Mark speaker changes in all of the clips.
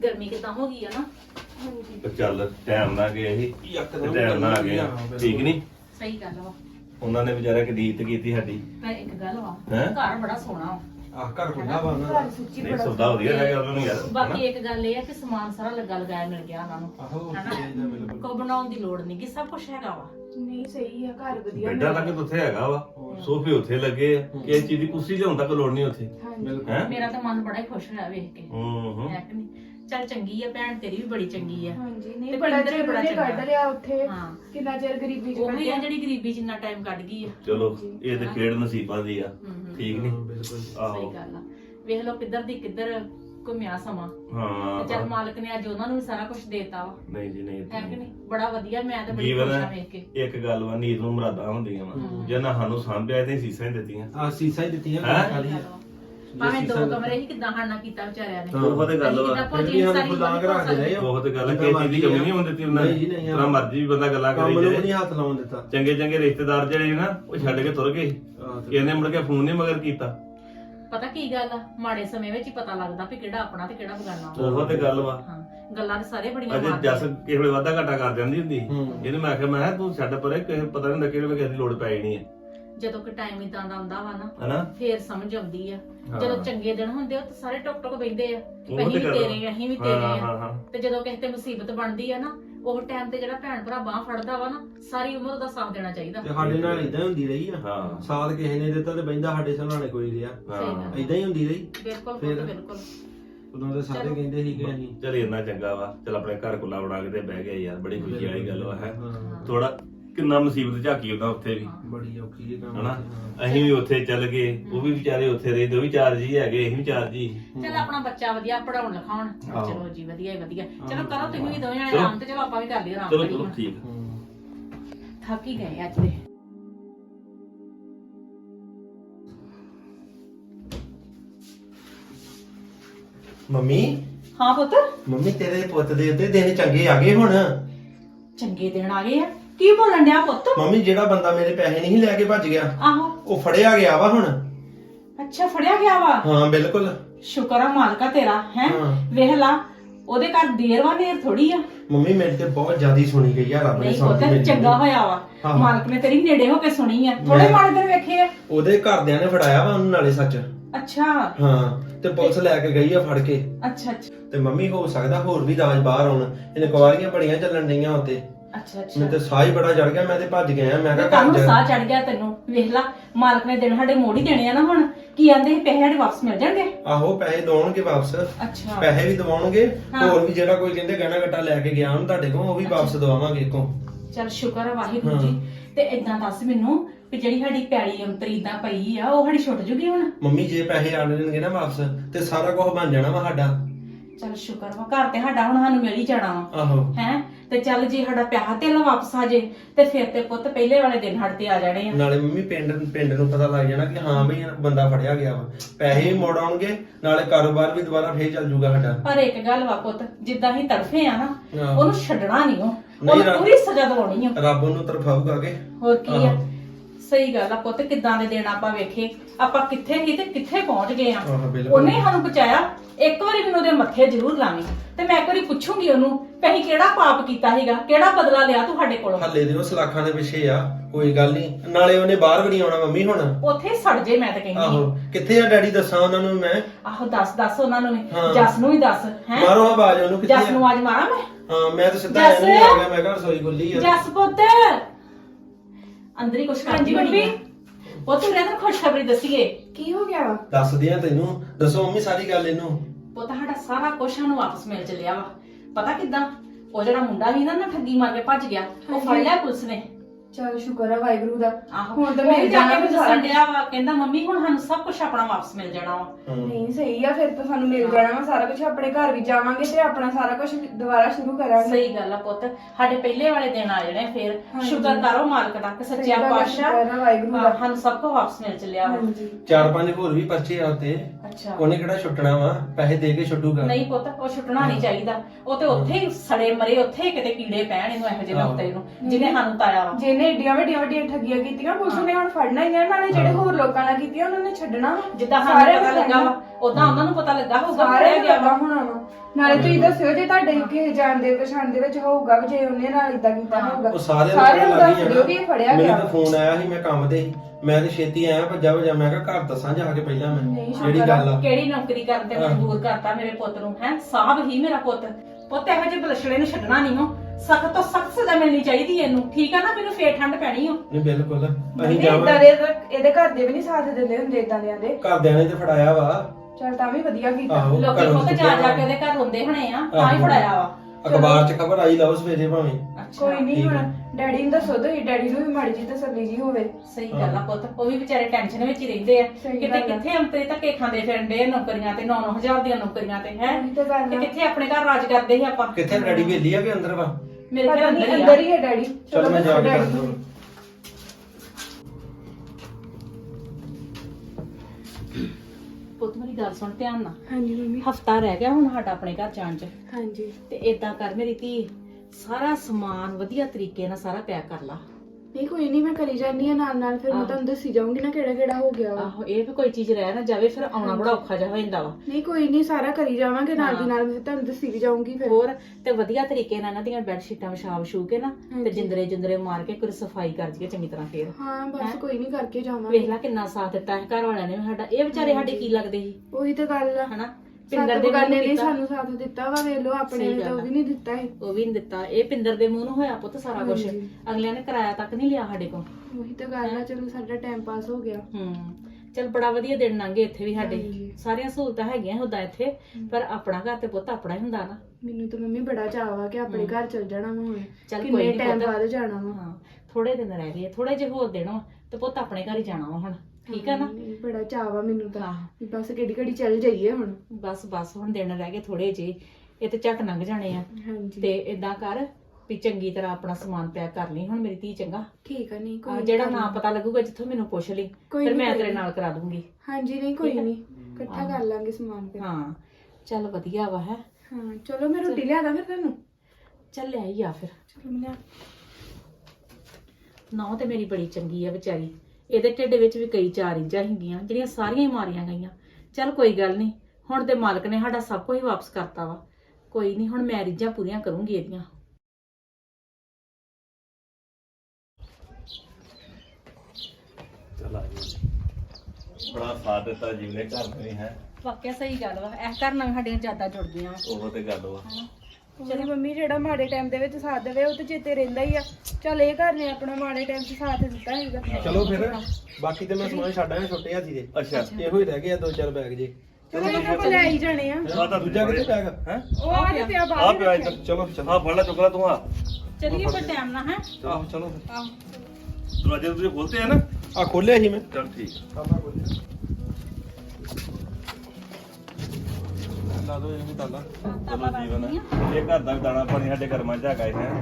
Speaker 1: ਗਰਮੀ ਕਿਦਾਂ ਹੋ ਗਈ ਆ ਨਾ।
Speaker 2: ਤੇ ਚੱਲ ਟਾਈਮ ਨਾਲ ਗਏ ਸੀ ਤੇ ਟਾਈਮ ਨਾਲ ਆ ਗਏ ਆ। ਠੀਕ ਨਹੀਂ?
Speaker 1: ਸਹੀ ਗੱਲ ਵਾ।
Speaker 2: ਉਹਨਾਂ ਨੇ ਵਿਚਾਰਾ ਕਦੀਤ ਕੀਤੀ ਸਾਡੀ।
Speaker 1: ਪਰ ਇੱਕ ਗੱਲ ਵਾ,
Speaker 2: ਹੈਂ?
Speaker 1: ਘਰ ਬੜਾ ਸੋਹਣਾ ਵਾ।
Speaker 3: ਆਹ ਘਰ ਖੁੱਲਾ ਵਾ ਨਾ।
Speaker 2: ਨਹੀਂ ਸੌਦਾ ਵਧੀਆ ਹੈਗਾ ਉਹਨਾਂ ਨੂੰ ਯਾਰ।
Speaker 1: ਬਾਕੀ ਇੱਕ ਗੱਲ ਇਹ ਆ ਕਿ ਸਮਾਨ ਸਾਰਾ ਲੱਗਾ ਲਗਾਇਆ ਮਿਲ ਗਿਆ ਉਹਨਾਂ ਨੂੰ।
Speaker 3: ਆਹੋ
Speaker 1: ਹਨਾ?
Speaker 3: ਚਾਹੀਦਾ ਬਿਲਕੁਲ।
Speaker 1: ਕੋ ਬਣਾਉਣ ਦੀ ਲੋੜ ਨਹੀਂ ਕਿ ਸਭ ਕੁਝ ਹੈਗਾ ਵਾ।
Speaker 4: ਨਹੀਂ ਸਹੀ ਆ, ਘਰ ਵਧੀਆ
Speaker 2: ਬੈੱਡਾਂ ਤੱਕ ਉੱਥੇ ਹੈਗਾ ਵਾ, ਸੋਫੇ ਉੱਥੇ ਲੱਗੇ ਆ। ਕਿਸੇ ਚੀਜ਼ ਦੀ ਕੁਰਸੀ ਲਿਆਉਣ ਤੱਕ ਲੋੜ ਨਹੀਂ ਉੱਥੇ।
Speaker 3: ਬਿਲਕੁਲ
Speaker 2: ਹੈਂ?
Speaker 1: ਮੇਰਾ ਤਾਂ ਮਨ ਬੜਾ ਹੀ ਖੁਸ਼ ਹੋਇਆ ਵੇਖ ਕੇ।
Speaker 2: ਹੂੰ
Speaker 1: ਹੈ ਕਿ ਨਹੀਂ? ਚੱਲ ਚੰਗੀ ਆ ਭੈਣ, ਤੇਰੀ ਵੀ ਬੜੀ ਚੰਗੀ ਆ।
Speaker 4: ਹਾਂਜੀ
Speaker 1: ਤੇ
Speaker 4: ਨਹੀਂ ਬੜਾ
Speaker 1: ਪਿੰਦਰ ਵੀ
Speaker 4: ਚਿਰ
Speaker 1: ਬੜਾ
Speaker 4: ਉਹਨੇ ਕੱਢ
Speaker 1: ਚੰਗਾ।
Speaker 4: ਲਿਆ ਉੱਥੇ।
Speaker 1: ਹਾਂ।
Speaker 4: ਕਿੰਨਾ ਚਿਰ ਗਰੀਬੀ ਚ
Speaker 1: ਉਹ ਵੀ ਆ
Speaker 4: ਕੱਢਿਆ।
Speaker 1: ਜਿਹੜੀ ਗਰੀਬੀ ਚ ਇੰਨਾ ਟਾਈਮ ਕੱਢ ਗਈ ਆ।
Speaker 2: ਚਲੋ ਇਹ ਤੇ ਖੇਡ ਨਸੀਬਾਂ ਦੀ ਆ। ਠੀਕ ਨਹੀਂ?
Speaker 3: ਬਿਲਕੁਲ
Speaker 2: ਆਹੋ
Speaker 1: ਸਹੀ ਗੱਲ ਆ। ਵੇਖ ਲਓ ਕਿੱਧਰ ਦੀ ਕਿੱਧਰ ਘੁੰਮਿਆ ਸਮਾਂ।
Speaker 2: ਹਾਂ।
Speaker 1: ਤੇ ਚੱਲ ਮਾਲਕ ਨੇ ਅੱਜ ਉਹਨਾਂ ਨੂੰ ਵੀ ਸਾਰਾ ਕੁਝ ਦੇਤਾ ਵਾ।
Speaker 2: ਨਹੀਂ ਜੀ ਨਹੀਂ
Speaker 1: ਹੈ ਕਿ ਨਹੀਂ? ਬੜਾ ਵਧੀਆ, ਮੈਂ ਤਾਂ ਬੜੀ
Speaker 2: ਜੀਵਨ
Speaker 1: ਖੁਸ਼ ਆ ਵੇਖ ਕੇ।
Speaker 2: ਇੱਕ ਗੱਲ ਵਾ, ਨੀਤ ਨੂੰ ਮੁਰਾਦਾਂ ਹੁੰਦੀਆਂ ਵਾ। ਜੇ ਨਾ ਸਾਨੂੰ ਸਾਂਭਿਆ ਤੇ ਸੀਸਾਂ ਹੀ ਦਿੱਤੀਆਂ।
Speaker 3: ਆ ਸੀਸਾਂ ਹੀ ਦਿੱਤੀਆਂ
Speaker 2: ਹੈਂ?
Speaker 3: ਖਾਲੀ।
Speaker 1: ਸਹੀ ਗੱਲ ਵਾ। ਭਾਵੇਂ ਦੋ ਕਮਰੇ ਹੀ ਕਿੱਦਾਂ ਹਾਨਾ ਕੀਤਾ ਵਿਚਾਰਿਆਂ ਨੇ।
Speaker 2: ਉਹ ਤੇ ਗੱਲ ਵਾ।
Speaker 1: ਕਿੱਦਾਂ
Speaker 3: ਫਿਰ ਵੀ
Speaker 1: ਸਾਰੀ
Speaker 3: ਸਾਨੂੰ ਫੁੱਲਾਂ ਕੇ ਰੱਖਦੇ ਰਹੇ ਆ।
Speaker 2: ਬਹੁਤ ਗੱਲ ਹੈ, ਕਿਸੇ ਚੀਜ਼ ਦੀ ਕਮੀ ਨਹੀਂ ਹੋਣ ਦਿੱਤੀ ਉਹਨਾਂ ਨੇ।
Speaker 3: ਨਹੀਂ ਜੀ, ਨਹੀਂ।
Speaker 2: ਤੇਰਾ ਮਰਜ਼ੀ ਵੀ ਬੰਦਾ ਗੱਲਾਂ
Speaker 3: ਕੰਮ
Speaker 2: ਕਰੀ
Speaker 3: ਨੂੰ ਵੀ
Speaker 2: ਜਾਏ।
Speaker 3: ਨਹੀਂ ਹੱਥ ਲਾਉਣ ਦਿੱਤਾ।
Speaker 2: ਚੰਗੇ ਚੰਗੇ ਰਿਸ਼ਤੇਦਾਰ ਜਿਹੜੇ ਨਾ ਉਹ ਛੱਡ ਕੇ ਤੁਰ ਗਏ। ਇਹਨੇ ਮੁੜ ਕੇ ਫੋਨ ਨਹੀਂ ਮਗਰ ਕੀਤਾ।
Speaker 1: ਪਤਾ ਕੀ ਗੱਲ ਆ, ਮਾੜੇ ਸਮੇਂ ਵਿੱਚ ਹੀ ਪਤਾ ਲੱਗਦਾ ਵੀ ਕਿਹੜਾ ਆਪਣਾ ਤੇ ਕਿਹੜਾ ਬਗਾਨਾ ਵਾ।
Speaker 2: ਉਹ ਤੇ ਗੱਲ ਵਾ।
Speaker 1: ਹਾਂ, ਗੱਲਾਂ ਤੇ ਸਾਰੇ ਬੜੀਆਂ
Speaker 2: ਅਜੇ
Speaker 1: ਮਾਰਦੇ
Speaker 2: ਜੱਸ ਕਿਸੇ ਵੇਲੇ ਵਾਧਾ ਘਾਟਾ ਕਰ ਜਾਂਦੀ ਹੁੰਦੀ।
Speaker 3: ਹੂੰ।
Speaker 2: ਇਹਨੇ ਮੈਂ ਆਖਿਆ, ਮੈਂ ਕਿਹਾ ਤੂੰ ਛੱਡ ਪਰੇ, ਕਿਸੇ ਪਤਾ ਨਹੀਂ ਹੁੰਦਾ ਕਿਹੜੇ ਵੇਲੇ ਕਿਸੇ ਦੀ ਲੋੜ ਪੈ ਜਾਣੀ ਹੈ।
Speaker 1: ਜਦੋਂ ਕਿ ਟਾਈਮ ਇਦਾਂ ਦਾ ਆਉਂਦਾ ਵਾ ਨਾ,
Speaker 2: ਹਨਾ?
Speaker 1: ਫੇਰ ਸਮਝ ਆਉਂਦੀ ਆ।
Speaker 2: ਹਾਂ।
Speaker 1: ਜਦੋਂ ਚੰਗੇ ਦਿਨ ਹੁੰਦੇ ਆ ਤਾਂ ਸਾਰੇ ਟੁੱਕ ਟੁੱਕ ਬੈਂਦੇ ਆ,
Speaker 2: ਉਹ
Speaker 1: ਅਸੀਂ
Speaker 2: ਤੇ
Speaker 1: ਵੀ
Speaker 2: ਗੱਲ
Speaker 1: ਤੇਰੇ ਆ, ਅਸੀਂ ਵੀ ਤੇਰੇ
Speaker 2: ਹਾਂ
Speaker 1: ਆ।
Speaker 2: ਹਾਂ ਹਾਂ।
Speaker 1: ਤੇ ਜਦੋਂ ਕਿਸੇ ਤੇ ਮੁਸੀਬਤ ਬਣਦੀ ਆ ਨਾ, ਉਹ ਟਾਈਮ ਤੇ ਜਿਹੜਾ ਭੈਣ ਭਰਾ ਬਾਹ ਫੜਦਾ ਵਾ ਨਾ, ਸਾਰੀ ਉਮਰ ਉਹਦਾ ਸਾਥ ਦੇਣਾ ਚਾਹੀਦਾ।
Speaker 3: ਤੇ ਸਾਡੇ ਨਾਲ ਇਦਾਂ ਹੁੰਦੀ ਰਹੀ ਆ।
Speaker 2: ਹਾਂ।
Speaker 3: ਸਾਥ ਕਿਸੇ ਨੇ ਦਿੱਤਾ ਤੇ ਬੈਂਦਾ ਸਾਡੇ ਸਹਾਰੇ ਕੋਈ ਰਿਹਾ।
Speaker 2: ਹਾਂ।
Speaker 3: ਇਦਾਂ ਹੀ ਹੁੰਦੀ ਰਹੀ।
Speaker 1: ਬਿਲਕੁਲ
Speaker 3: ਫਿਰ?
Speaker 1: ਬਿਲਕੁਲ।
Speaker 3: ਉਦੋਂ ਤੇ ਸਾਰੇ ਕਹਿੰਦੇ ਸੀ ਕਿ ਅਸੀਂ
Speaker 2: ਚਲ ਇੰਨਾ ਚੰਗਾ ਵਾ, ਚਲ ਆਪਣੇ ਘਰ ਕੁੱਲਾ ਬਣਾ ਕੇ ਤੇ ਬਹਿ ਗਏ ਯਾਰ, ਬੜੀ ਖੁਸ਼ੀ ਵਾਲੀ ਗੱਲ ਵਾ। ਹੈ
Speaker 3: ਹਾਂ।
Speaker 2: ਥੋੜਾ ਕਿੰਨਾ ਮੁਸੀਬਤ ਝਾਕੀ ਹੁੰਦਾ ਉੱਥੇ ਵੀ,
Speaker 3: ਬੜੀ ਔਖੀ ਜਿਹੀ ਕੰਮ
Speaker 2: ਹਨਾ?
Speaker 3: ਸੀ।
Speaker 2: ਅਸੀਂ ਵੀ ਉੱਥੇ ਚੱਲ ਗਏ, ਉਹ ਵੀ ਵਿਚਾਰੇ ਉੱਥੇ ਰਹਿੰਦੇ, ਉਹ ਵੀ 4 ਜੀ ਹੈਗੇ, ਅਸੀਂ ਵੀ 4 ਜੀ।
Speaker 1: ਚਲ ਆਪਣਾ ਬੱਚਾ ਵਧੀਆ ਪੜਾਉਣ ਲਿਖਾਉਣ।
Speaker 2: ਆਹੋ।
Speaker 1: ਚਲੋ ਜੀ, ਵਧੀਆ ਹੀ ਵਧੀਆ। ਚਲੋ ਕਰੋ ਤੁਸੀਂ ਵੀ ਦੋਵੇਂ ਜਣੇ
Speaker 2: ਚਲੋ।
Speaker 1: ਆਰਾਮ, ਤੇ ਚਲੋ ਆਪਾਂ ਵੀ ਕਰ ਲਈਏ ਆਰਾਮ।
Speaker 2: ਚਲੋ
Speaker 1: ਕਰੀਏ
Speaker 2: ਚਲੋ
Speaker 1: ਹੁਣ।
Speaker 2: ਠੀਕ।
Speaker 3: ਹੂੰ।
Speaker 1: ਥੱਕ ਹੀ ਗਏ ਅੱਜ ਦੇ।
Speaker 3: ਮੰਮੀ
Speaker 1: ਹਾਂ ਪੁੱਤ,
Speaker 3: ਮੰਮੀ ਤੇਰੇ ਪੁੱਤ ਦੇ ਉੱਤੇ ਦਿਨ ਚੰਗੇ ਆ ਗਏ ਹੁਣ।
Speaker 1: ਚੰਗੇ ਦਿਨ ਆ ਗਏ ਆ। ਕੀ ਬੋਲਣ ਡਿਆ ਪੁੱਤ?
Speaker 3: ਮੰਮੀ ਜਿਹੜਾ ਬੰਦਾ ਮੇਰੇ ਪੈਸੇ ਨਹੀਂ ਲੈ ਕੇ ਭੱਜ ਗਿਆ,
Speaker 1: ਆਹੋ।
Speaker 3: ਉਹ ਫੜਿਆ ਗਿਆ ਵਾ ਹੁਣ।
Speaker 1: ਅੱਛਾ, ਫੜਿਆ ਗਿਆ ਵਾ।
Speaker 3: ਹਾਂ ਬਿਲਕੁਲ।
Speaker 1: ਸ਼ੁਕਰ ਆ ਮਾਲਕਾ ਤੇਰਾ। ਹੈ
Speaker 3: ਹਾਂ।
Speaker 1: ਵੇਖ ਲਾ, ਉਹਦੇ ਘਰ ਦੇਰ ਵਾ ਨੇਰ ਥੋੜੀ ਆ।
Speaker 3: ਮੰਮੀ ਮੇਰੇ ਤੇ ਬਹੁਤ ਜ਼ਿਆਦੀ ਸੁਣੀ ਗਈ ਆ, ਰੱਬ ਨੇ
Speaker 1: ਨਹੀਂ
Speaker 3: ਸੁਣ
Speaker 1: ਪੁੱਤ,
Speaker 3: ਕੇ
Speaker 1: ਚੰਗਾ ਹੋਇਆ ਵਾ।
Speaker 3: ਹਾਂ।
Speaker 1: ਮਾਲਕ ਨੇ ਤੇਰੀ ਨੇੜੇ ਹੋ ਕੇ ਸੁਣੀ ਆ। ਥੋੜੇ
Speaker 3: ਮੈਂ-
Speaker 1: ਮਾੜੇ ਦਿਨ ਵੇਖੇ ਆ।
Speaker 3: ਉਹਦੇ ਘਰਦਿਆਂ ਨੇ ਫੜਾਇਆ ਵਾ ਉਹਨੂੰ ਨਾਲੇ ਸੱਚ।
Speaker 1: ਅੱਛਾ
Speaker 3: ਹਾਂ, ਤੇ ਪੁਲਿਸ ਲੈ ਕੇ ਗਈ ਆ ਫੜ ਕੇ।
Speaker 1: ਅੱਛਾ ਅੱਛਾ
Speaker 3: ਤੇ ਮੰਮੀ ਹੋ ਸਕਦਾ ਹੋਰ ਵੀ ਰਾਜ ਬਾਹਰ ਆਉਣ। ਇਹਨੇ ਕੁਵਾਰੀਆਂ ਬੜੀਆਂ ਚੱਲਣ ਡਈਆਂ ਉੱਤੇ।
Speaker 1: ਅੱਛਾ
Speaker 3: ਮੈਨੂੰ
Speaker 1: ਅੱਛਾ।
Speaker 3: ਤੇ ਸਾਹ ਹੀ ਬੜਾ ਚੜ ਗਿਆ, ਮੈਂ ਤੇ ਭੱਜ ਗਿਆ। ਮੈਂ ਕਿਹਾ
Speaker 1: ਕੰਮ
Speaker 3: ਘਰ ਜਾ।
Speaker 1: ਸਾਹ ਚੜ ਗਿਆ ਤੈਨੂੰ। ਵੇਖ ਲਾ, ਮਾਲਕ ਨੇ ਦਿਨ ਸਾਡੇ ਮੋੜ ਹੀ ਦੇਣੇ ਆ ਨਾ ਹੁਣ। ਕੀ ਆਂਦੇ ਸੀ, ਪੈਸੇ ਸਾਡੇ ਵਾਪਸ ਮਿਲ ਜਾਣਗੇ।
Speaker 3: ਆਹੋ ਪੈਸੇ ਦਵਾਉਣਗੇ ਵਾਪਸ।
Speaker 1: ਅੱਛਾ
Speaker 3: ਪੈਸੇ ਵੀ ਦਵਾਉਣਗੇ,
Speaker 1: ਹਾਂ।
Speaker 3: ਹੋਰ ਵੀ ਜਿਹੜਾ ਕੋਈ ਕਹਿੰਦੇ ਗਹਿਣਾ ਗੱਟਾ ਲੈ ਕੇ ਗਿਆ ਹੁਣ ਤੁਹਾਡੇ ਕੋਲ, ਉਹ ਵੀ ਵਾਪਸ ਦਵਾਵਾਂਗੇ ਕੋ।
Speaker 1: ਚਲ ਸ਼ੁਕਰ ਆ ਵਾਹਿਗੁਰੂ ਜੀ। ਤੇ ਇਦਾਂ ਦੱਸ ਮੈਨੂੰ ਵੀ ਜਿਹੜੀ ਸਾਡੀ ਪੈਲੀ ਅੰਤਰੀ ਇਦਾਂ ਪਈ ਆ, ਉਹ ਸਾਡੀ ਛੁੱਟ ਜੂਗੀ ਹੁਣ?
Speaker 3: ਮੰਮੀ ਜੇ ਪੈਸੇ ਆ ਜਾਣਗੇ ਨਾ ਵਾਪਸ ਤੇ ਸਾਰਾ ਕੁਝ ਬਣ ਜਾਣਾ ਵਾ ਸਾਡਾ।
Speaker 1: ਚਲ ਸ਼ੁਕਰ ਵਾ, ਘਰ ਤੇ ਸਾਡਾ ਹੁਣ ਸਾਨੂੰ ਮਿਲ ਹੀ ਜਾਣਾ ਵਾ।
Speaker 3: ਆਹੋ।
Speaker 1: ਹੈ ਤੇ ਚੱਲ ਜੇ ਸਾਡਾ ਪਿਆਹ ਤੇ ਵਾਪਸ ਆ ਜੇ ਤੇ ਫਿਰ ਤੇ ਪੁੱਤ ਪਹਿਲੇ ਵਾਲੇ ਦਿਨ ਸਾਡੇ ਤੇ ਆ ਜਾਣੇ ਆ।
Speaker 3: ਨਾਲੇ ਮੰਮੀ ਪਿੰਡ ਨੂੰ ਪਤਾ ਲੱਗ ਜਾਣਾ ਕਿ ਹਾਂ ਬਈ ਬੰਦਾ ਫੜਿਆ ਗਿਆ ਵਾ। ਪੈਸੇ ਵੀ ਮੋੜ ਆਉਣਗੇ, ਨਾਲੇ ਕਾਰੋਬਾਰ ਵੀ ਦੁਬਾਰਾ ਫੇਰ ਚੱਲ ਜੂਗਾ ਸਾਡਾ।
Speaker 1: ਪਰ ਇੱਕ ਗੱਲ ਵਾ ਪੁੱਤ, ਜਿੱਦਾਂ ਹੀ ਤੜਫੇ ਆ ਨਾ,
Speaker 3: ਹਾਂ।
Speaker 1: ਉਹਨੂੰ ਛੱਡਣਾ ਨਹੀਂ।
Speaker 3: ਨਹੀਂ
Speaker 1: ਉਹਨੂੰ
Speaker 3: ਰੱਬ-
Speaker 1: ਪੂਰੀ ਸਜ਼ਾ ਦਿਵਾਉਣੀ ਆ।
Speaker 3: ਰੱਬ ਉਹਨੂੰ ਤਰਫਾਊਗਾ ਕਿ।
Speaker 1: ਹੋਰ ਕੀ ਆ?
Speaker 3: ਆਹੋ।
Speaker 1: ਸਹੀ ਗੱਲ ਆ ਪੁੱਤ, ਕਿੱਦਾਂ ਦੇ ਦਿਨ ਆਪਾਂ ਵੇਖੇ। ਆਪਾਂ ਕਿੱਥੇ ਸੀ ਤੇ ਕਿੱਥੇ ਪਹੁੰਚ ਗਏ ਆ।
Speaker 3: ਆਹੋ ਬਿਲਕੁਲ।
Speaker 1: ਉਹਨੇ ਸਾਨੂੰ ਬਚਾਇਆ। ਇੱਕ ਵਾਰੀ ਮੈਨੂੰ ਉਹਦੇ ਮੱਥੇ ਜ਼ਰੂਰ ਲਾਵੀਂ ਤੇ ਮੈਂ ਇੱਕ ਵਾਰੀ ਪੁੱਛੂੰਗੀ ਉਹਨੂੰ ਕਿ ਅਸੀਂ ਕਿਹੜਾ ਪਾਪ ਕੀਤਾ ਸੀਗਾ, ਕਿਹੜਾ ਬਦਲਾ ਲਿਆ ਤੁਹਾਡੇ ਕੋਲੋਂ।
Speaker 3: ਹੱਲੇ ਦੇ ਉਹ ਸਲਾਖਾਂ ਦੇ ਪਿੱਛੇ ਆ, ਕੋਈ ਗੱਲ ਨਹੀਂ। ਨਾਲੇ ਉਹਨੇ ਬਾਹਰ ਵੀ ਨਹੀਂ ਆਉਣਾ ਮੰਮੀ ਹੁਣ।
Speaker 1: ਉੱਥੇ ਸੜ ਜੇ, ਮੈਂ ਤਾਂ ਕਹਿੰਦੀ
Speaker 3: ਆਹੋ, ਕਿੱਥੇ ਆ ਡੈਡੀ ਦੱਸਾਂ ਉਹਨਾਂ ਨੂੰ ਮੈਂ।
Speaker 1: ਆਹੋ ਦੱਸ ਉਹਨਾਂ ਨੂੰ ਵੀ।
Speaker 3: ਹਾਂ।
Speaker 1: ਜੱਸ ਨੂੰ ਵੀ ਦੱਸ। ਹੈ
Speaker 3: ਮਾਰੋ ਆਵਾਜ਼ ਉਹਨੂੰ, ਕਿੱਥੇ
Speaker 1: ਜੱਸ
Speaker 3: ਆ?
Speaker 1: ਨੂੰ ਆਵਾਜ਼ ਮਾਰਾਂ ਮੈਂ?
Speaker 3: ਹਾਂ, ਮੈਂ ਤਾਂ ਸਿੱਧਾ
Speaker 1: ਜੱਸ।
Speaker 3: ਐਵੇਂ ਹੀ ਆ ਗਿਆ। ਮੈਂ ਕਿਹਾ ਰਸੋਈ ਖੁੱਲੀ ਆ।
Speaker 1: ਜੱਸ ਪੁੱਤ, ਅੰਦਰ ਹੀ ਕੁਛ ਕਰਦੀ ਹੋਣੀ ਆ। ਪੁੱਤ ਮੇਰਾ ਤਾਂ ਖੁਸ਼ਖਬਰੀ ਦੱਸੀਏ।
Speaker 4: ਕੀ ਹੋ ਗਿਆ ਵਾ?
Speaker 3: ਦੱਸਦੇ ਆ ਤੈਨੂੰ। ਦੱਸੋ ਮੰਮੀ ਸਾਰੀ ਗੱਲ ਇਹਨੂੰ।
Speaker 1: ਪੁੱਤ ਸਾਡਾ ਸਾਰਾ ਕੁਛ ਸਾਨੂੰ ਵਾਪਸ ਮਿਲ ਚੱਲਿਆ ਵਾ। ਪਤਾ ਕਿੱਦਾਂ? ਉਹ ਜਿਹੜਾ ਮੁੰਡਾ ਸੀ ਨਾ ਠੱਗੀ ਮਾਰ ਕੇ ਭੱਜ ਗਿਆ, ਉਹ ਫੜ ਲਿਆ ਪੁਲਿਸ ਨੇ।
Speaker 4: ਚਲ ਸ਼ੁਕਰ ਆ ਵਾਹਿਗੁਰੂ ਦਾ।
Speaker 1: ਆਹੋ,
Speaker 4: ਹੁਣ ਤਾਂ
Speaker 1: ਉਹ ਵੀ
Speaker 4: ਮਿਲ
Speaker 1: ਜਾ ਕੇ
Speaker 4: ਜਾਣਾ
Speaker 1: ਮੈਨੂੰ
Speaker 4: ਸਾਰਾ।
Speaker 1: ਦੱਸਣ ਡਿਆ ਵਾ, ਕਹਿੰਦਾ ਮੰਮੀ ਹੁਣ ਸਾਨੂੰ ਸਭ ਕੁਝ ਆਪਣਾ ਵਾਪਸ ਮਿਲ ਜਾਣਾ ਵਾ।
Speaker 4: ਨਹੀਂ ਸਹੀ ਆ, ਫਿਰ ਤਾਂ ਸਾਨੂੰ ਮਿਲ ਜਾਣਾ ਵਾ ਸਾਰਾ ਕੁਝ। ਆਪਣੇ ਘਰ ਵੀ ਜਾਵਾਂਗੇ ਤੇ ਆਪਣਾ ਸਾਰਾ ਕੁਝ ਦੁਬਾਰਾ ਸ਼ੁਰੂ ਕਰਾਂਗੇ।
Speaker 1: ਸਹੀ ਗੱਲ ਆ ਪੁੱਤ, ਸਾਡੇ ਪਹਿਲੇ ਵਾਲੇ ਦਿਨ ਆ ਜਾਣੇ ਫੇਰ।
Speaker 4: ਹਾਂਜੀ।
Speaker 1: ਸ਼ੁਕਰ ਕਰੋ ਮਾਲਕ ਦਾ ਕਿ ਸੱਚਿਆ
Speaker 4: ਸਹੀ ਗੱਲ ਆ,
Speaker 1: ਪਾਤਸ਼ਾਹ
Speaker 4: ਸ਼ੁਕਰ ਆ ਵਾਹਿਗੁਰੂ ਦਾ।
Speaker 1: ਸਾਨੂੰ ਸਭ ਕੁਝ ਵਾਪਸ ਮਿਲ ਚੱਲਿਆ ਵਾ।
Speaker 4: ਹਾਂਜੀ।
Speaker 3: 4-5 ਹੋਰ ਵੀ ਪਰਚੇ ਆ ਉੱਤੇ।
Speaker 1: ਅੱਛਾ
Speaker 3: ਉਹਨੇ ਕਿਹੜਾ ਛੁੱਟਣਾ ਵਾ, ਪੈਸੇ ਦੇ ਕੇ ਛੱਡੂਗਾ।
Speaker 1: ਨਹੀਂ ਪੁੱਤ, ਉਹ ਛੁੱਟਣਾ ਨਹੀਂ ਚਾਹੀਦਾ। ਉਹ ਤੇ ਉੱਥੇ ਹੀ ਸੜੇ ਮਰੇ, ਉੱਥੇ ਹੀ ਕਿਤੇ ਕੀੜੇ ਪੈਣ ਇਹਨੂੰ ਇਹੋ ਜਿਹੇ
Speaker 3: ਆਹੋ।
Speaker 1: ਨੁਕਤੇ ਨੂੰ ਜਿਹਨੇ ਸਾਨੂੰ ਤਾਇਆ ਵਾ।
Speaker 4: ਜਿਹਨੇ ਇਹਨੇ ਏਡੀਆਂ ਵੱਡੀਆਂ ਠੱਗੀਆਂ ਕੀਤੀਆਂ, ਪੁਲਿਸ ਨੇ ਹੁਣ ਫੜਨਾ ਹੀ ਆ, ਨਾਲੇ ਜਿਹੜੇ ਹੋਰ ਲੋਕਾਂ ਨਾਲ ਕੀਤੀਆਂ ਉਹਨਾਂ ਨੇ ਛੱਡਣਾ ਵਾ।
Speaker 1: ਜਿੱਦਾਂ ਸਾਨੂੰ ਪਤਾ ਲੱਗਾ ਵਾ ਉਦਾਂ ਉਹਨਾਂ ਨੂੰ ਪਤਾ ਲੱਗਾ ਹੋਊਗਾ
Speaker 4: ਸਾਰੇ ਗਿਆ ਹੋਣਾ ਵਾ। ਨਾਲੇ ਤੁਸੀਂ ਦੱਸਿਓ ਜੇ ਤੁਹਾਡੇ ਕਿਸੇ ਜਾਣਦੇ ਪਛਾਣ ਦੇ ਵਿੱਚ ਹੋਊਗਾ ਵੀ ਜੇ ਉਹਨੇ ਨਾਲ ਇਦਾਂ ਕੀਤਾ ਹੋਊਗਾ,
Speaker 3: ਉਹ ਸਾਰਿਆਂ
Speaker 4: ਨੂੰ
Speaker 3: ਨੂੰ
Speaker 4: ਦੱਸ ਦਿਓ ਵੀ ਇਹ ਫੜਿਆ
Speaker 3: ਮੈਨੂੰ
Speaker 4: ਗਿਆ।
Speaker 3: ਤਾਂ ਫੋਨ ਆਇਆ ਸੀ, ਮੈਂ ਕੰਮ ਤੇ ਸੀ, ਮੈਂ ਤੇ ਛੇਤੀ ਆਇਆ ਭੱਜਾ ਮੈਂ ਕਿਹਾ ਘਰ ਦੱਸਾਂ ਜਾ ਕੇ ਪਹਿਲਾਂ ਮੈਂ
Speaker 4: ਨਹੀਂ,
Speaker 3: ਜਿਹੜੀ ਗੱਲ ਆ।
Speaker 1: ਕਿਹੜੀ ਨੌਕਰੀ ਕਰਨ ਤੇ ਮਜਬੂਰ ਕਰਤਾ ਮੇਰੇ ਪੁੱਤ ਨੂੰ ਹੈ। ਸਾਹਬ ਹੀ ਮੇਰਾ ਪੁੱਤ ਇਹੋ ਜਿਹੇ ਬਲਸ਼ੜੇ ਨੂੰ ਛੱਡਣਾ ਨਹੀਂ ਹੋ। ਸਖਤ ਤੋਂ ਸਖਤ ਸਜ਼ਾ ਮਿਲਣੀ ਚਾਹੀਦੀ ਇਹਨੂੰ, ਠੀਕ ਆ ਨਾ? ਮੈਨੂੰ ਫੇਰ ਠੰਡ ਪੈਣੀ ਹੋ।
Speaker 3: ਨਹੀਂ ਬਿਲਕੁਲ ਅਸੀਂ
Speaker 4: ਨਹੀਂ
Speaker 3: ਜਾਵਾਂ।
Speaker 4: ਇਦਾਂ ਦੇ ਇਹਦੇ ਘਰ ਦੇ ਵੀ ਨਹੀਂ ਸਾਥ ਦਿੰਦੇ ਹੁੰਦੇ ਇਦਾਂ ਦੇ।
Speaker 3: ਘਰਦਿਆਂ ਨੇ ਤੇ ਫੜਾਇਆ ਵਾ।
Speaker 4: ਚਲ ਤਾਂ ਵੀ ਵਧੀਆ ਕੀਤਾ।
Speaker 3: ਆਹੋ,
Speaker 1: ਲੋਕੀ
Speaker 3: ਘਰੋਂ
Speaker 1: ਪੁੱਤ ਜਾ ਜਾ ਕੇ ਉਹਦੇ ਘਰ ਹੁੰਦੇ ਹੋਣੇ ਆ, ਤਾਂ ਹੀ ਫੜਾਇਆ ਵਾ।
Speaker 3: ਅਖਬਾਰ 'ਚ ਖਬਰ ਆਈ ਲਓ ਸਵੇਰੇ ਭਾਵੇਂ।
Speaker 4: ਕੋਈ ਨਹੀਂ,
Speaker 3: ਠੀਕ
Speaker 4: ਹੁਣ
Speaker 3: ਆ।
Speaker 4: ਡੈਡੀ ਨੂੰ ਦੱਸੋ ਤੇ ਡੈਡੀ ਨੂੰ ਵੀ ਮਾੜੀ ਜੀ ਤਸੱਲੀ ਜੀ ਹੋਵੇ।
Speaker 1: ਸਹੀ ਗੱਲ ਆ ਪੁੱਤ, ਉਹ ਵੀ ਵਿਚਾਰੇ ਟੈਨਸ਼ਨ ਵਿੱਚ ਹੀ ਰਹਿੰਦੇ ਆ।
Speaker 4: ਸਹੀ
Speaker 1: ਕਿਤੇ
Speaker 4: ਗੱਲ ਆ।
Speaker 1: ਕਿੱਥੇ ਅੰਤਰੇ ਧੱਕੇ ਖਾਂਦੇ ਫਿਰਦੇ ਆ ਨੌਕਰੀਆਂ ਤੇ 9-9 ਹਜ਼ਾਰ ਦੀਆਂ ਨੌਕਰੀਆਂ ਤੇ ਹੈ।
Speaker 4: ਉਹੀ ਤਾਂ ਗੱਲ ਆ।
Speaker 1: ਤੇ ਕਿੱਥੇ ਆਪਣੇ ਘਰ ਰਾਜ ਕਰਦੇ ਸੀ ਆਪਾਂ।
Speaker 3: ਕਿੱਥੇ ਡੈਡੀ ਵੇਲੀ ਆ ਕਿ ਅੰਦਰ ਵਾ?
Speaker 1: ਮੇਰੇ
Speaker 4: ਪਤਾ
Speaker 1: ਘਰ
Speaker 4: ਨਹੀਂ
Speaker 1: ਅੰਦਰ
Speaker 4: ਅੰਦਰ
Speaker 1: ਹੀ
Speaker 4: ਹੀ ਹੈ ਡੈਡੀ।
Speaker 3: ਚਲ ਮੈਂ ਜਾ ਕੇ
Speaker 4: ਡੈਡੀ
Speaker 3: ਦੱਸ
Speaker 4: ਨੂੰ।
Speaker 3: ਦੂੰ।
Speaker 1: ਪੁੱਤ ਮੇਰੀ ਗੱਲ ਸੁਣ ਧਿਆਨ ਨਾਲ।
Speaker 4: ਹਾਂਜੀ ਮੰਮੀ।
Speaker 1: ਹਫਤਾ ਰਹਿ ਗਿਆ ਹੁਣ ਸਾਡਾ ਆਪਣੇ ਘਰ ਜਾਣ ਚ।
Speaker 4: ਹਾਂਜੀ।
Speaker 1: ਤੇ ਏਦਾਂ ਕਰ ਮੇਰੀ ਧੀ, ਸਾਰਾ ਸਮਾਨ ਵਧੀਆ ਤਰੀਕੇ ਨਾਲ ਸਾਰਾ ਪੈਕ ਕਰ ਲਾ।
Speaker 4: ਨਹੀਂ ਕੋਈ ਨਹੀਂ, ਮੈਂ ਕਰੀ ਜਾਂਦੀ ਆ ਨਾਲ ਫਿਰ ਮੈਂ ਤੁਹਾਨੂੰ ਦੱਸੀ ਜਾਊਂਗੀ ਨਾ ਕਿਹੜਾ ਹੋ ਗਿਆ ਵਾ।
Speaker 1: ਆਹੋ, ਇਹ ਵੀ ਕੋਈ ਚੀਜ਼ ਰਹਿ ਨਾ ਜਾਵੇ ਫਿਰ ਆਉਣਾ ਬੜਾ ਔਖਾ ਜਿਹਾ ਹੋ ਜਾਂਦਾ ਵਾ।
Speaker 4: ਨਹੀਂ ਕੋਈ ਨਹੀਂ, ਸਾਰਾ ਕਰੀ ਜਾਵਾਂਗੇ ਨਾਲ ਦੀ ਨਾਲ, ਮੈਂ ਤੁਹਾਨੂੰ ਦੱਸੀ ਵੀ ਜਾਊਂਗੀ ਫਿਰ।
Speaker 1: ਹੋਰ ਤੇ ਵਧੀਆ ਤਰੀਕੇ ਨਾਲ ਇਹਨਾਂ ਦੀਆਂ ਬੈੱਡ ਸ਼ੀਟਾਂ ਵਿਛਾ ਕੇ ਨਾ ਤੇ ਜਿੰਦਰੇ ਮਾਰ ਕੇ ਕੋਈ ਸਫਾਈ ਕਰ ਜੀਏ ਚੰਗੀ ਤਰ੍ਹਾਂ ਫੇਰ।
Speaker 4: ਹਾਂ ਬਸ ਕੋਈ ਨਹੀਂ ਕਰਕੇ ਜਾਵਾਂਗੇ।
Speaker 1: ਵੇਖ ਲੈ ਕਿੰਨਾ ਸਾਥ ਦਿੱਤਾ ਹੈ ਘਰ ਵਾਲਿਆਂ ਨੇ ਵੀ ਸਾਡਾ। ਇਹ ਵਿਚਾਰੇ ਸਾਡੇ ਕੀ ਲੱਗਦੇ ਸੀ
Speaker 4: ਉਹੀ ਤਾਂ ਗੱਲ ਆ।
Speaker 1: ਹਨਾ?
Speaker 4: ਪਿੰਦਰ ਦੇ
Speaker 1: ਮੂੰਹ
Speaker 4: ਨੇ
Speaker 1: ਕੀਤਾ।
Speaker 4: ਸਾਨੂੰ ਸਾਥ ਦਿੱਤਾ ਵਾ, ਵੇਖ ਲਓ ਆਪਣੇ ਨੇ ਤਾਂ ਉਹ ਵੀ ਨਹੀਂ ਦਿੱਤਾ ਹੈ।
Speaker 1: ਉਹ ਵੀ ਨਹੀਂ ਦਿੱਤਾ। ਇਹ ਪਿੰਦਰ ਦੇ ਮੂੰਹ ਨੂੰ ਹੋਇਆ ਪੁੱਤ ਸਾਰਾ ਕੁਝ।
Speaker 4: ਹਾਂਜੀ।
Speaker 1: ਅਗਲਿਆਂ ਨੇ ਕਿਰਾਇਆ ਤੱਕ ਨਹੀਂ ਲਿਆ ਸਾਡੇ ਕੋਲ।
Speaker 4: ਉਹੀ ਤਾਂ ਗੱਲ ਆ। ਚਲੋ ਸਾਡਾ ਟਾਈਮ ਪਾਸ ਹੋ ਗਿਆ।
Speaker 1: ਚਲ ਬੜਾ ਵਧੀਆ ਦਿਨ ਲੰਘੇ ਇੱਥੇ ਵੀ ਸਾਡੇ।
Speaker 4: ਹਾਂਜੀ।
Speaker 1: ਸਾਰੀਆਂ ਸਹੂਲਤਾਂ ਹੈਗੀਆਂ ਹੁੰਦਾ ਇੱਥੇ, ਪਰ ਆਪਣਾ ਘਰ ਤੇ ਪੁੱਤ ਆਪਣਾ ਹੀ ਹੁੰਦਾ ਨਾ।
Speaker 4: ਮੈਨੂੰ ਤਾਂ ਮੰਮੀ ਬੜਾ ਚਾਅ ਵਾ ਕਿ ਆਪਣੇ ਘਰ ਚਲ ਜਾਣਾ ਵਾ ਹੁਣ।
Speaker 1: ਚੱਲ ਕੋਈ
Speaker 4: ਕਿੰਨੇ
Speaker 1: ਨੀ
Speaker 4: ਟਾਈਮ
Speaker 1: ਪੁੱਤ।
Speaker 4: ਬਾਅਦ ਜਾਣਾ ਵਾ।
Speaker 1: ਹਾਂ, ਥੋੜੇ ਦਿਨ ਰਹਿ ਗਏ, ਥੋੜੇ ਜਿਹੇ ਹੋਰ ਦਿਨ ਵਾ ਤੇ ਪੁੱਤ ਆਪਣੇ ਘਰ ਹੀ ਜਾਣਾ ਵਾ ਹੁਣ, ਠੀਕ ਆ ਨਾ?
Speaker 4: ਨਹੀਂ, ਬੜਾ ਚਾਅ ਵਾ ਮੈਨੂੰ ਤਾਂ
Speaker 1: ਆਹ।
Speaker 4: ਵੀ ਬਸ ਕਿਹੜੀ ਘੜੀ ਚੱਲ ਜਾਈਏ ਹੁਣ।
Speaker 1: ਬਸ ਹੁਣ ਦਿਨ ਰਹਿ ਗਏ ਥੋੜੇ ਜਿਹੇ, ਇਹ ਤੇ ਝਟ ਲੰਘ ਜਾਣੇ ਆ।
Speaker 4: ਹਾਂਜੀ
Speaker 1: ਤੇ ਏਦਾਂ ਕਰ ਵੀ ਚੰਗੀ ਤਰ੍ਹਾਂ ਆਪਣਾ ਸਮਾਨ ਪੈਕ ਕਰ ਲਈ ਹੁਣ ਮੇਰੀ ਧੀ, ਚੰਗਾ?
Speaker 4: ਠੀਕ ਆ। ਨਹੀਂ ਕੋਈ
Speaker 1: ਆਹ,
Speaker 4: ਨੀ
Speaker 1: ਜਿਹੜਾ
Speaker 4: ਕਰ
Speaker 1: ਨਾ
Speaker 4: ਲਾਂਗੇ।
Speaker 1: ਪਤਾ ਲੱਗੂਗਾ ਜਿੱਥੋਂ ਮੈਨੂੰ ਪੁੱਛ ਲਈ,
Speaker 4: ਕੋਈ
Speaker 1: ਫਿਰ
Speaker 4: ਨੀ,
Speaker 1: ਮੈਂ
Speaker 4: ਕੋਈ
Speaker 1: ਤੇਰੇ
Speaker 4: ਨੀ।
Speaker 1: ਨਾਲ ਕਰਾ ਦੂੰਗੀ।
Speaker 4: ਹਾਂਜੀ ਨਹੀਂ ਕੋਈ
Speaker 1: ਠੀਕ ਆ?
Speaker 4: ਨਹੀਂ, ਇਕੱਠਾ ਕਰ ਲਾਂਗੇ ਸਮਾਨ ਫਿਰ।
Speaker 1: ਹਾਂ ਚੱਲ ਵਧੀਆ ਵਾ ਹੈ।
Speaker 4: ਹਾਂ ਚਲੋ ਮੈਂ ਰੋਟੀ ਲਿਆਦਾ ਫਿਰ ਤੁਹਾਨੂੰ।
Speaker 1: ਚੱਲ ਲੈ ਆਈ ਆ ਫਿਰ।
Speaker 4: ਚਲੋ ਮੈਂ
Speaker 1: ਨਾ ਤੇ ਮੇਰੀ ਬੜੀ ਚੰਗੀ ਆ ਵਿਚਾਰੀ, ਇਹਦੇ ਢਿੱਡ ਵਿੱਚ ਵੀ ਕਈ 4 ਇੰਜਾਂ ਹੈਗੀਆਂ ਜਿਹੜੀਆਂ ਸਾਰੀਆਂ ਹੀ ਮਾਰੀਆਂ ਗਈਆਂ। ਚੱਲ ਕੋਈ ਗੱਲ ਨਹੀਂ, ਹੁਣ ਤੇ ਮਾਲਕ ਨੇ ਸਾਡਾ ਸਭ ਕੁਝ ਵਾਪਸ ਕਰਤਾ ਵਾ। ਕੋਈ ਨਹੀਂ, ਹੁਣ ਮੈਂ ਰੀਝਾਂ ਪੂਰੀਆਂ ਕਰੂੰਗੀ ਇਹਦੀਆਂ।
Speaker 2: ਚਲ ਆ ਜੀ, ਬੜਾ ਸਾਥ ਦਿੱਤਾ ਜੀਵ ਨੇ ਘਰ ਨੂੰ ਹੈ।
Speaker 1: ਵਾਕਿਆ ਸਹੀ ਗੱਲ ਵਾ, ਇਸ ਘਰ ਨਾਲ ਸਾਡੀਆਂ ਯਾਦਾਂ ਜੁੜ ਗਈਆਂ।
Speaker 2: ਉਹ ਤੇ ਗੱਲ ਵਾ।
Speaker 4: ਚਲੋ ਮੰਮੀ ਜਿਹੜਾ ਮਾੜੇ ਟਾਈਮ ਦੇ ਵਿੱਚ ਸਾਥ ਦੇਵੇ ਉਹ ਤੇ ਚੇਤੇ ਰਹਿੰਦਾ ਹੀ ਆ। ਚਲ ਇਹ ਘਰ ਨੇ ਆਪਣਾ ਮਾੜੇ ਟਾਈਮ 'ਚ ਸਾਥ ਦਿੱਤਾ ਹੈਗਾ।
Speaker 3: ਚਲੋ ਫਿਰ ਬਾਕੀ ਤੇ ਮੈਂ ਸਮਾਨ ਛੱਡ ਆਇਆ ਛੋਟੇ ਹਾਥੀ ਦੇ।
Speaker 2: ਅੱਛਾ,
Speaker 3: ਇਹੋ ਹੀ ਰਹਿ ਗਏ ਆ 2-4 ਬੈਗ ਜੇ।
Speaker 4: ਚਲੋ ਇਹਨਾਂ ਕੋਲ ਲੈ ਹੀ ਜਾਣੇ ਆ।
Speaker 2: ਆ ਤਾਂ
Speaker 3: ਦੂਜਾ ਕਿੱਥੇ ਬੈਗ?
Speaker 2: ਹੈ?
Speaker 4: ਉਹ ਆ ਜੇ ਪਿਆ
Speaker 2: ਆ
Speaker 4: ਬਾਹਰ
Speaker 2: ਪਿਆ ਇੱਧਰ।
Speaker 3: ਚਲੋ
Speaker 2: ਆ ਫੜ ਲੈ, ਚੁੱਕ ਲੈ ਤੂੰ। ਆ
Speaker 1: ਚਲਿਏ ਫਿਰ ਟਾਈਮ ਨਾਲ ਹੈ।
Speaker 3: ਆਹੋ ਚਲੋ
Speaker 2: ਦਰਵਾਜ਼ੇ ਤੁਸੀਂ ਖੋਲਤੇ ਹੈ ਨਾ?
Speaker 3: ਆ ਖੋਲਿਆ ਸੀ ਮੈਂ।
Speaker 2: ਚਲ ਠੀਕ।
Speaker 3: ਲਾ ਦੋ ਇਹ ਵੀ ਤਾਲਾ।
Speaker 2: ਚਲੋ ਜੀਵਨ ਹੈ। ਇਹ ਘਰ ਦਾ ਵੀ ਦਾਣਾ ਪਾਣੀ ਸਾਡੇ ਕਰਮਾਂ 'ਚ ਹੈਗਾ ਹੈ।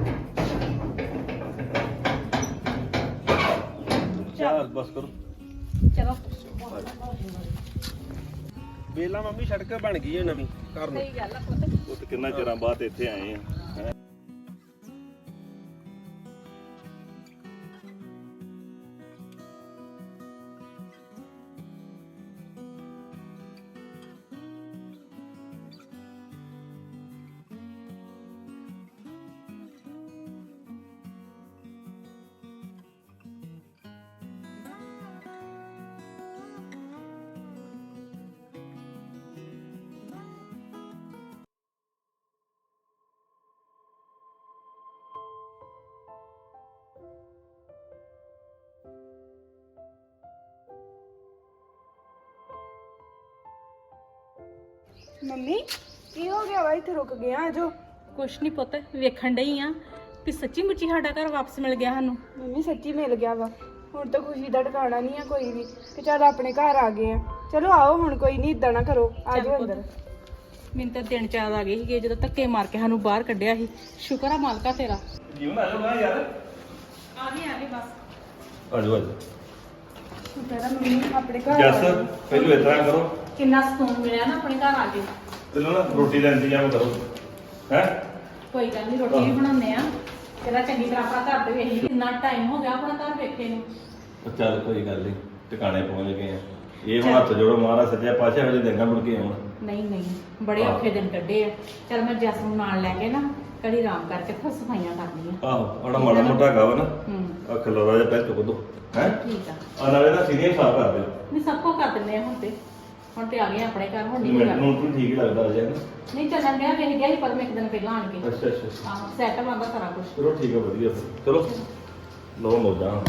Speaker 2: ਚੱਲ ਬਸ ਕਰੋ।
Speaker 1: ਚਲੋ
Speaker 3: ਵੇਲਾ ਮੰਮੀ ਸੜਕ ਬਣ ਗਈ ਹੈ ਨਵੀਂ ਘਰ ਨੂੰ।
Speaker 1: ਸਹੀ ਗੱਲ ਆ ਪੁੱਤ।
Speaker 2: ਉਹ ਤੇ ਕਿੰਨਾ ਚਿਰਾਂ ਬਾਅਦ ਇੱਥੇ ਆਏ ਆ। ਹੈਂ।
Speaker 4: ਮੰਮੀ ਕੀ ਹੋ ਗਿਆ ਵਾ, ਇੱਥੇ ਰੁਕ ਗਿਆ ਜੋ?
Speaker 1: ਕੁਛ ਨਹੀਂ ਪੁੱਤ, ਵੇਖਣ ਡਈ ਆ ਵੀ ਸੱਚੀ ਮੁੱਚੀ ਸਾਡਾ ਘਰ ਵਾਪਸ ਮਿਲ ਗਿਆ ਸਾਨੂੰ।
Speaker 4: ਮੰਮੀ ਸੱਚੀ ਮਿਲ ਗਿਆ ਵਾ। ਹੁਣ ਤਾਂ ਖੁਸ਼ੀ ਦਾ ਟਿਕਾਣਾ ਨਹੀਂ ਆ ਕੋਈ ਵੀ ਕਿ ਚੱਲ ਆਪਣੇ ਘਰ ਆ ਗਏ ਆ। ਚਲੋ ਆਓ ਹੁਣ, ਕੋਈ ਨਹੀਂ ਇਦਾਂ ਨਾ ਕਰੋ, ਆ
Speaker 1: ਚੱਲ
Speaker 4: ਜਾਓ
Speaker 1: ਪੁੱਤ।
Speaker 4: ਅੰਦਰ।
Speaker 1: ਮੈਨੂੰ ਤਾਂ ਦਿਨ ਚਾਦ ਆ ਗਏ ਸੀਗੇ ਜਦੋਂ ਧੱਕੇ ਮਾਰ ਕੇ ਸਾਨੂੰ ਬਾਹਰ ਕੱਢਿਆ ਸੀ। ਸ਼ੁਕਰ ਆ ਮਾਲਕਾ ਤੇਰਾ।
Speaker 2: ਜੀਵਨ ਆ ਜਾਓ ਨਾ ਯਾਰ।
Speaker 1: ਆ ਗਏ ਬਸ।
Speaker 2: ਆ ਜਾਓ ਆ ਜਾਓ।
Speaker 4: ਸ਼ੁਕਰ ਆ ਮੰਮੀ ਆਪਣੇ ਘਰ ਆ
Speaker 2: ਜੱਸ
Speaker 4: ਗਏ।
Speaker 2: ਪਹਿਲਾਂ ਇਸ ਤਰ੍ਹਾਂ ਕਰੋ,
Speaker 1: ਕਿੰਨਾ ਸਕੂਨ ਮਿਲਿਆ ਨਾ ਆਪਣੇ ਘਰ ਆ ਕੇ।
Speaker 2: ਪਹਿਲਾਂ ਨਾ ਰੋਟੀ ਦਾ ਇੰਤਜ਼ਾਮ ਕਰੋ। ਹੈ
Speaker 1: ਕੋਈ ਗੱਲ ਨਹੀਂ, ਰੋਟੀ ਵੀ ਬਣਾਉਂਦੇ ਆ ਤੇਰਾ ਚੰਗੀ ਤਰ੍ਹਾਂ ਆਪਣਾ ਘਰ ਤੇ ਵੇਖ ਲਈ ਕਿੰਨਾ ਟਾਈਮ ਹੋ ਗਿਆ ਆਪਣਾ ਘਰ ਵੇਖੇ ਨੂੰ।
Speaker 2: ਉਹ ਚੱਲ ਕੋਈ ਗੱਲ ਨਹੀਂ, ਟਿਕਾਣੇ ਪਹੁੰਚ ਗਏ ਆ। ਇਹ ਹੁਣ ਹੱਥ ਜੋੜੋ ਮਹਾਰਾਜ ਸੱਜਿਆ ਪਾਤਸ਼ਾਹ ਹਜੇ ਦਿਨਾਂ ਮੁੜ ਕੇ ਆਉਣ।
Speaker 1: ਨਹੀਂ ਨਹੀਂ ਬੜੇ
Speaker 2: ਆਹੋ।
Speaker 1: ਔਖੇ ਦਿਨ ਕੱਢੇ ਆ। ਚੱਲ ਮੈਂ ਜੱਸ ਨੂੰ ਨਾਲ ਲੈ ਕੇ ਨਾ ਘੜੀ ਆਰਾਮ ਕਰਕੇ ਫਿਰ ਸਫਾਈਆਂ ਕਰਨੀਆਂ।
Speaker 2: ਆਹੋ ਆੜਾ ਮਾੜਾ ਮੋਟਾ ਹੈਗਾ ਵਾ ਨਾ,
Speaker 1: ਹੂੰ
Speaker 2: ਆ ਖਲੋਰਾ ਜਿਹਾ ਪੈ ਚੁੱਕ ਦੋ ਹੈ।
Speaker 1: ਠੀਕ ਆ।
Speaker 2: ਆ ਨਾਲੇ ਨਾ ਸੀਰੀਅਸ ਸਾਫ ਕਰ ਦਿਓ।
Speaker 1: ਨਹੀਂ ਸਭ ਕੁਝ ਕਰ ਦਿੰਦੇ ਆ ਹੁਣ ਤੇ ਆ ਗਏ ਆ ਆਪਣੇ ਘਰ। ਹੁਣ ਨਹੀਂ
Speaker 2: ਮੈਨੂੰ ਤੂੰ ਠੀਕ ਲੱਗਦਾ ਅਜੇ ਨਾ।
Speaker 1: ਨਹੀਂ ਚੱਲਣ ਗਿਆ ਵੇਖ ਗਿਆ ਸੀ ਪਰ ਮੈਂ ਇੱਕ ਦਿਨ ਪਹਿਲਾਂ ਆਣ ਕੇ
Speaker 2: ਅੱਛਾ ਅੱਛਾ
Speaker 1: ਆਹ ਸੈਟ ਬੰਦਾ ਸਾਰਾ ਕੁਝ।
Speaker 2: ਚਲੋ ਠੀਕ ਹੈ ਵਧੀਆ ਫਿਰ ਚਲੋ ਲੋ ਮੋਜਾਂ।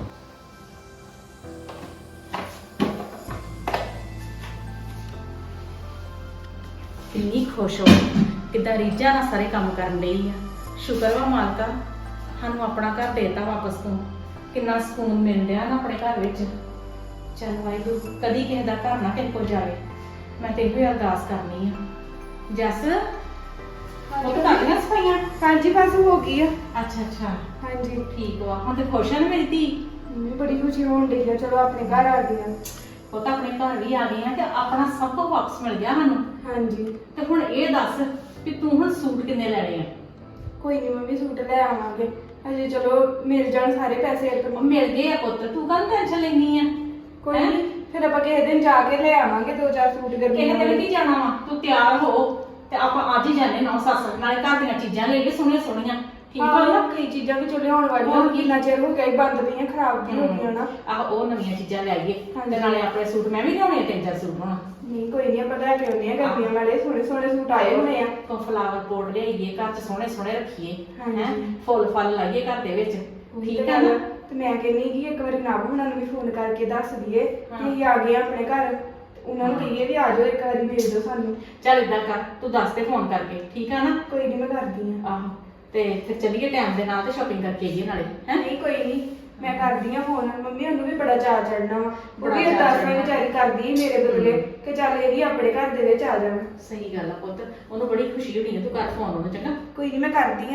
Speaker 1: ਕਿੰਨੀ ਖੁਸ਼ ਹੋ ਕਿੱਦਾਂ ਰੀਝਾਂ ਨਾਲ ਸਾਰੇ ਕੰਮ ਕਰਨ ਲਈ ਆ। ਸ਼ੁਕਰ ਵਾ ਮਾਲਕਾ ਸਾਨੂੰ ਆਪਣਾ ਘਰ ਦੇਤਾ ਵਾਪਸ ਤੋਂ। ਕਿੰਨਾ ਸਕੂਨ ਮਿਲ ਰਿਹਾ ਨਾ ਆਪਣੇ ਘਰ ਵਿੱਚ। ਚੱਲ ਵਾਹਿਗੁਰੂ ਕਦੀ ਕਿਸੇ ਦਾ ਘਰ ਨਾ ਕਿਸੇ ਕੋਲ ਜਾਵੇ। ਮੈਂ ਤੇ ਇਹੋ ਅਰਦਾਸ ਕਰਨੀ ਆ। ਜੱਸ ਉਹ ਤਾਂ ਕਰ ਲਿਆ ਸਫਾਈਆਂ?
Speaker 4: ਹਾਂਜੀ ਬਸ ਹੋ ਗਈ ਆ।
Speaker 1: ਅੱਛਾ ਅੱਛਾ
Speaker 4: ਹਾਂਜੀ
Speaker 1: ਠੀਕ ਵਾ। ਹੁਣ ਤੇ ਖੁਸ਼ ਆ ਨਾ ਮੇਰੀ ਧੀ?
Speaker 4: ਮੰਮੀ ਬੜੀ ਖੁਸ਼ੀ ਹੋਣ ਡਈ ਆ, ਚਲੋ ਆਪਣੇ ਘਰ ਆ ਗਏ ਆ।
Speaker 1: ਉਹ ਤਾਂ ਆਪਣੇ ਘਰ ਵੀ ਆ ਗਏ ਆ ਤੇ ਆਪਣਾ ਸਭ ਕੁਝ ਵਾਪਸ ਮਿਲ ਗਿਆ ਸਾਨੂੰ।
Speaker 4: ਹਾਂਜੀ
Speaker 1: ਤੇ ਹੁਣ ਇਹ ਦੱਸ ਵੀ ਤੂੰ ਹੁਣ ਸੂਟ ਕਿੰਨੇ ਲੈਣੇ ਆ?
Speaker 4: ਕੋਈ ਨਹੀਂ ਮੰਮੀ, ਸੂਟ ਲੈ ਆਵਾਂਗੇ। ਹਜੇ ਚਲੋ ਮਿਲ ਜਾਣ ਸਾਰੇ ਪੈਸੇ ਇੱਕ
Speaker 1: ਉਹ ਮਿਲ ਗਏ ਆ ਪੁੱਤ, ਤੂੰ ਕਾਹਦੀ ਟੈਨਸ਼ਨ ਲੈਣੀ ਆ?
Speaker 4: ਕੋਈ ਨਹੀਂ, ਫਿਰ ਆਪਾਂ ਕਿਸੇ ਦਿਨ ਜਾ ਕੇ ਲੈ ਆਵਾਂਗੇ 2-4 ਸੂਟ
Speaker 1: ਕਿਸੇ
Speaker 4: ਗਰਮੀਆਂ
Speaker 1: ਦਿਨ
Speaker 4: ਵਾਲੇ।
Speaker 1: ਕੀ ਜਾਣਾ ਵਾ? ਤੂੰ ਤਿਆਰ ਹੋ ਤੇ ਆਪਾਂ ਅੱਜ ਹੀ ਜਾਣੇ ਨਾ ਸੱਸ ਨਾਲੇ ਘਰ ਦੀਆਂ ਚੀਜ਼ਾਂ ਲੈ ਕੇ ਸੋਹਣੀਆਂ ਸੋਹਣੀਆਂ। ਠੀਕ
Speaker 4: ਹਾਂ
Speaker 1: ਆ ਨਾ?
Speaker 4: ਕਈ ਚੀਜ਼ਾਂ ਵੀ ਚੁੱਲੇ ਹੋਣ ਵਾਲੀਆਂ,
Speaker 1: ਹੋਰ ਕੀ।
Speaker 4: ਕਿੰਨਾ ਚਿਰ ਹੋ ਗਿਆ ਸੀ ਬੰਦ ਪਈਆਂ, ਖਰਾਬ ਵੀ ਹੋ ਗਈਆਂ ਨਾ।
Speaker 1: ਆਹ ਉਹ ਨਵੀਆਂ ਚੀਜ਼ਾਂ ਲੈ ਆਈਏ
Speaker 4: ਹਾਂਜੀ।
Speaker 1: ਤੇ ਨਾਲੇ ਆਪਣੇ ਸੂਟ ਮੈਂ ਵੀ ਲਿਆਉਣੇ 3-4 ਸੂਟ ਹੋਣਾ।
Speaker 4: ਨਹੀਂ ਕੋਈ ਨਹੀਂ, ਆਪਾਂ ਲੈ ਕੇ ਆਉਂਦੇ ਆ ਗਰਮੀਆਂ ਵਾਲੇ ਸੋਹਣੇ ਸੋਹਣੇ ਸੂਟ ਆਏ ਹੋਣੇ ਆ।
Speaker 1: ਕੋ ਫਲਾਵਰ ਪੋਟ ਲਿਆਈਏ ਘਰ ਚ ਸੋਹਣੇ ਸੋਹਣੇ ਰੱਖੀਏ
Speaker 4: ਹਾਂਜੀ।
Speaker 1: ਹੈ ਫੁੱਲ ਫਲ ਲਾਈਏ ਘਰ ਦੇ ਵਿੱਚ। ਠੀਕ
Speaker 4: ਤੇ
Speaker 1: ਆ ਨਾ?
Speaker 4: ਤੇ ਮੈਂ ਕਹਿੰਨੀ ਕਿ ਇੱਕ ਵਾਰੀ ਨਾਮ ਉਹਨਾਂ ਨੂੰ ਵੀ ਫੋਨ ਕਰਕੇ ਦੱਸ ਦਈਏ
Speaker 1: ਹਾਂ।
Speaker 4: ਕਿ ਅਸੀਂ ਆ ਗਏ ਆ ਆਪਣੇ ਘਰ। ਤੇ ਉਹਨਾਂ ਨੂੰ ਕਹੀਏ ਵੀ ਆ ਜਾਓ, ਇੱਕ ਵਾਰੀ ਮਿਲ ਜਾਓ ਸਾਨੂੰ।
Speaker 1: ਚੱਲ ਏਦਾਂ ਕਰ ਤੂੰ ਦੱਸ ਤੇ ਫੋਨ ਕਰਕੇ। ਠੀਕ ਆ ਨਾ?
Speaker 4: ਕੋਈ ਨਹੀਂ, ਮੈਂ ਕਰਦੀ ਆ।
Speaker 1: ਆਹੋ ਤੇ ਫਿਰ ਚੱਲੀਏ ਟਾਈਮ ਦੇ ਨਾਲ ਤੇ ਸ਼ਾਪਿੰਗ ਕਰਕੇ ਆਈਏ ਨਾਲੇ ਹੈ।
Speaker 4: ਨਹੀਂ ਕੋਈ ਨਹੀਂ, ਮੈਂ ਕਰਦੀ ਆ ਫੋਨ। ਮੰਮੀ ਉਹਨੂੰ ਵੀ ਬੜਾ ਚਾਅ ਚੜਨਾ ਵਾ। ਉਹ
Speaker 1: ਬੜਾ
Speaker 4: ਵੀ
Speaker 1: ਚਾਅ
Speaker 4: ਅਰਦਾਸ
Speaker 1: ਚੜ੍ਹਨਾ।
Speaker 4: ਵਿਚਾਰੀ ਕਰਦੀ ਸੀ ਮੇਰੇ ਬਦਲੇ ਕਿ ਚੱਲ ਇਹ ਵੀ ਆਪਣੇ ਘਰ ਦੇ ਵਿੱਚ ਆ ਜਾਣ।
Speaker 1: ਸਹੀ ਗੱਲ ਆ ਪੁੱਤ, ਉਹਨੂੰ ਬੜੀ ਖੁਸ਼ੀ ਹੋਣੀ ਹੈ। ਤੂੰ ਕਰ ਫੋਨ ਉਹਨੂੰ ਚੰਗਾ।
Speaker 4: ਕੋਈ ਨਹੀਂ, ਮੈਂ ਕਰਦੀ ਆ।